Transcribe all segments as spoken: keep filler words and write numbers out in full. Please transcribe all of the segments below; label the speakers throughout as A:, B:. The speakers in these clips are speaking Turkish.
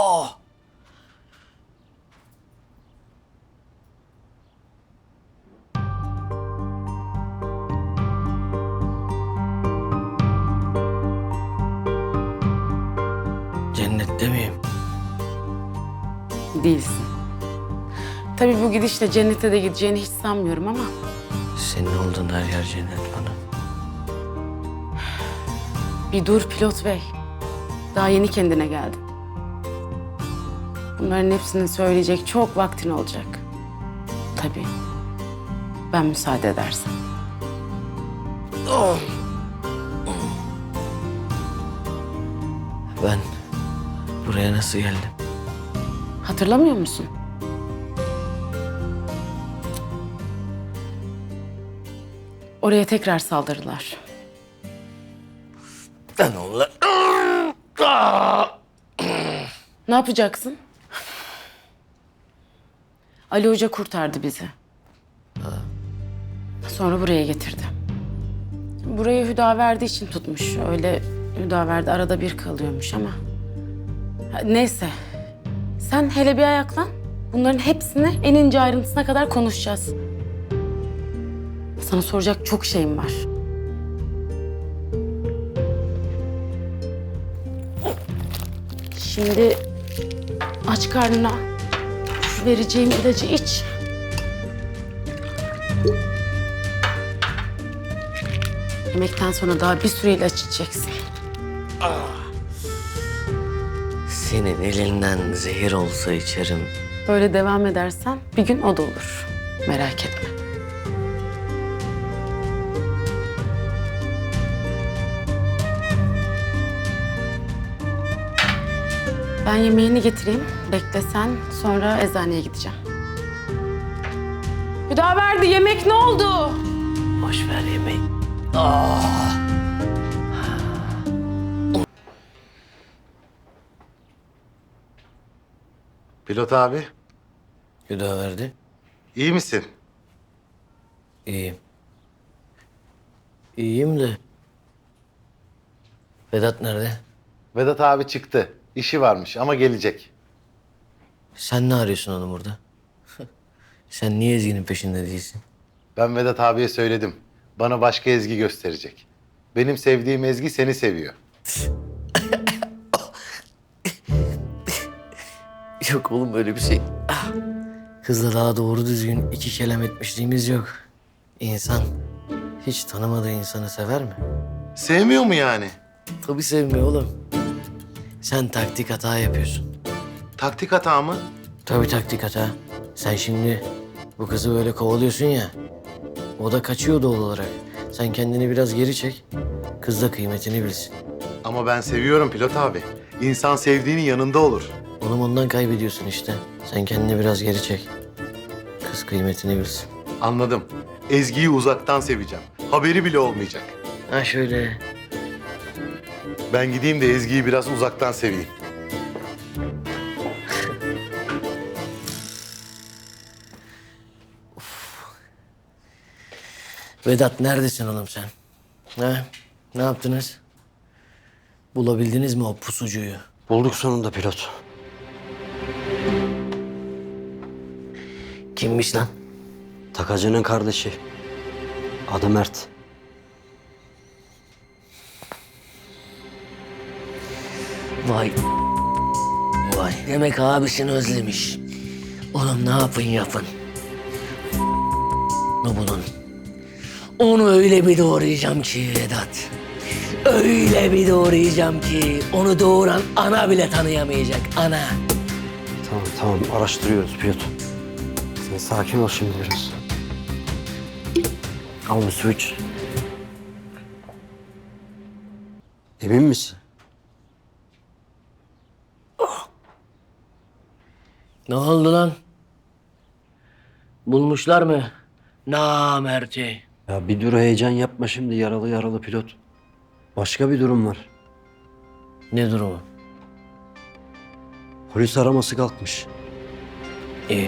A: Oh! Cennette miyim?
B: Değilsin. Tabii bu gidişle cennete de gideceğini hiç sanmıyorum ama...
A: Senin olduğun her yer cennet bana.
B: Bir dur pilot bey. Daha yeni kendine geldin. Bunların hepsini söyleyecek çok vaktin olacak. Tabii. Ben müsaade edersem.
A: Oh! Ben buraya nasıl geldim?
B: Hatırlamıyor musun? Oraya tekrar saldırdılar.
A: Ben onlar...
B: Ne yapacaksın? Ali Hoca kurtardı bizi. Sonra buraya getirdi. Burayı Hüdaverdi için tutmuş. Öyle Hüdaverdi arada bir kalıyormuş ama... Ha, neyse. Sen hele bir ayaklan. Bunların hepsini en ince ayrıntısına kadar konuşacağız. Sana soracak çok şeyim var. Şimdi aç karnına şu vereceğim ilacı iç. Yemekten sonra daha bir süre ilaç içeceksin.
A: Senin elinden zehir olsa içerim.
B: Böyle devam edersen bir gün o da olur. Merak etme. Ben yemeğini getireyim. Bekle sen. Sonra eczaneye gideceğim. Hüdaverdi yemek ne oldu?
A: Boş ver yemeği. Ah!
C: Pilot abi,
A: Hüdaverdi.
C: iyi misin?
A: İyiyim. İyiyim de... Vedat nerede?
C: Vedat abi çıktı. İşi varmış ama gelecek.
A: Sen ne arıyorsun oğlum burada? Sen niye Ezgi'nin peşinde değilsin?
C: Ben Vedat abiye söyledim. Bana başka Ezgi gösterecek. Benim sevdiğim Ezgi seni seviyor.
A: Yok oğlum öyle bir şey. Ah! Kızla daha doğru düzgün iki kelam etmişliğimiz yok. İnsan hiç tanımadığı insanı sever mi?
C: Sevmiyor mu yani?
A: Tabii sevmiyor oğlum. Sen taktik hata yapıyorsun.
C: Taktik hata mı?
A: Tabii taktik hata. Sen şimdi bu kızı böyle kovalıyorsun ya. O da kaçıyor doğal olarak. Sen kendini biraz geri çek. Kız da kıymetini bilsin.
C: Ama ben seviyorum pilot abi. İnsan sevdiğinin yanında olur.
A: Oğlum ondan kaybediyorsun işte. Sen kendini biraz geri çek. Kız kıymetini bilsin.
C: Anladım. Ezgi'yi uzaktan seveceğim. Haberi bile olmayacak.
A: Ha şöyle.
C: Ben gideyim de Ezgi'yi biraz uzaktan seveyim.
A: Vedat neredesin oğlum sen? Ha? Ne yaptınız? Bulabildiniz mi o pusucuyu?
D: Bulduk sonunda pilot.
A: Kimmiş lan?
D: Takacının kardeşi. Adı Mert.
A: Vay. Vay demek abisini özlemiş. Oğlum ne yapın yapın. Onu bulun. Onu öyle bir doğrayacağım ki Vedat. Öyle bir doğrayacağım ki onu doğuran ana bile tanıyamayacak. Ana.
D: Tamam tamam araştırıyoruz pilot. Sen sakin ol şimdi biraz. Al bir su iç. Emin misin?
A: Ne oldu lan? Bulmuşlar mı? Namerti.
D: Ya bir dur heyecan yapma şimdi yaralı yaralı pilot. Başka bir durum var.
A: Ne durumu?
D: Polis araması kalkmış.
A: İyi.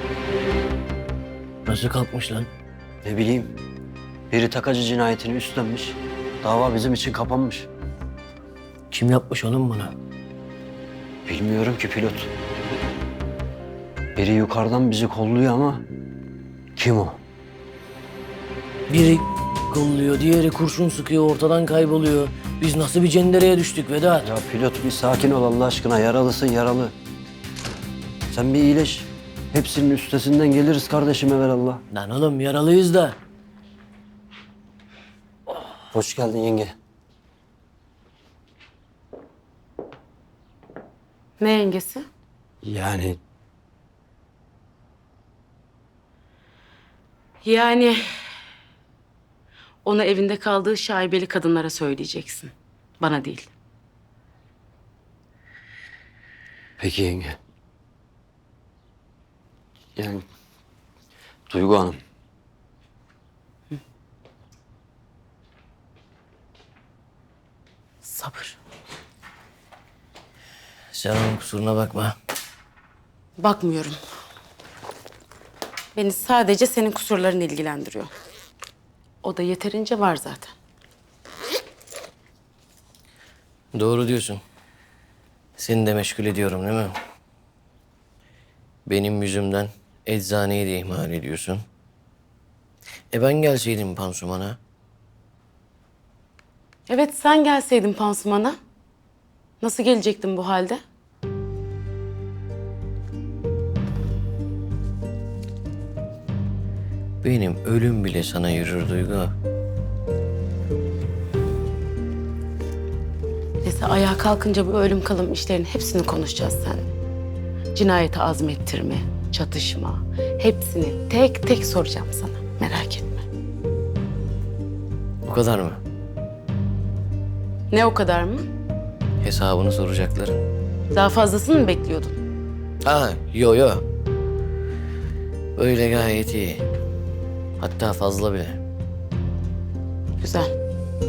A: Nasıl kalkmış lan?
D: Ne bileyim. Biri takacı cinayetini üstlenmiş. Dava bizim için kapanmış.
A: Kim yapmış oğlum bunu?
D: Bilmiyorum ki pilot. Biri yukarıdan bizi kolluyor ama kim o?
A: Biri kolluyor, diğeri kurşun sıkıyor, ortadan kayboluyor. Biz nasıl bir cendereye düştük Vedat?
D: Ya pilot bir sakin ol Allah aşkına. Yaralısın yaralı. Sen bir iyileş. Hepsinin üstesinden geliriz kardeşim evelallah.
A: Lan oğlum yaralıyız da.
D: Hoş geldin yenge.
B: Ne yengesi?
D: Yani
B: Yani ona evinde kaldığı şaibeli kadınlara söyleyeceksin. Bana değil.
D: peki yenge. Yani Duygu Hanım.
B: Sabır.
A: Sen onun kusuruna bakma.
B: Bakmıyorum. Beni sadece senin kusurların ilgilendiriyor. O da yeterince var zaten.
A: Doğru diyorsun. Seni de meşgul ediyorum değil mi? Benim yüzümden eczaneyi de ihmal ediyorsun. E ben gelseydim pansumana.
B: Evet, sen gelseydin pansumana. Nasıl gelecektin bu halde?
A: Benim ölüm bile sana yürür Duygu.
B: Neyse, ayağa kalkınca bu ölüm kalım işlerin hepsini konuşacağız seninle. Cinayeti azmettirme, çatışma, hepsini tek tek soracağım sana. Merak etme.
A: O kadar mı?
B: Ne o kadar mı?
A: Hesabını soracakların.
B: Daha fazlasını mı bekliyordun?
A: Ha, yo yo. Öyle gayet iyi. Hatta fazla bile.
B: Güzel.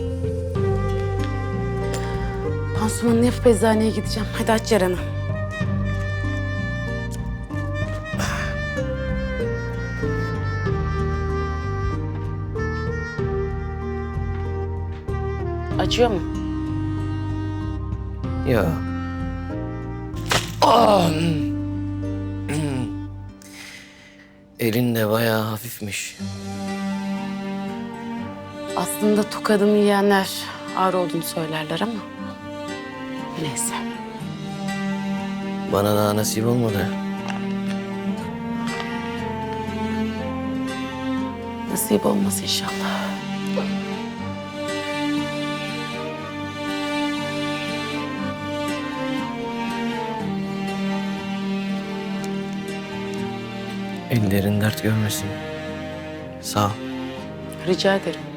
B: Pansumanını yapıp eczaneye gideceğim. Hadi aç yaranı. Acıyor mu?
A: Yo. Ah! Elin de bayağı hafifmiş.
B: Aslında tokadımı yiyenler ağır olduğunu söylerler ama... Neyse.
A: Bana daha nasip olmadı.
B: Nasip olmaz inşallah.
A: Ellerin dert görmesin. Sağ ol.
B: Rica ederim.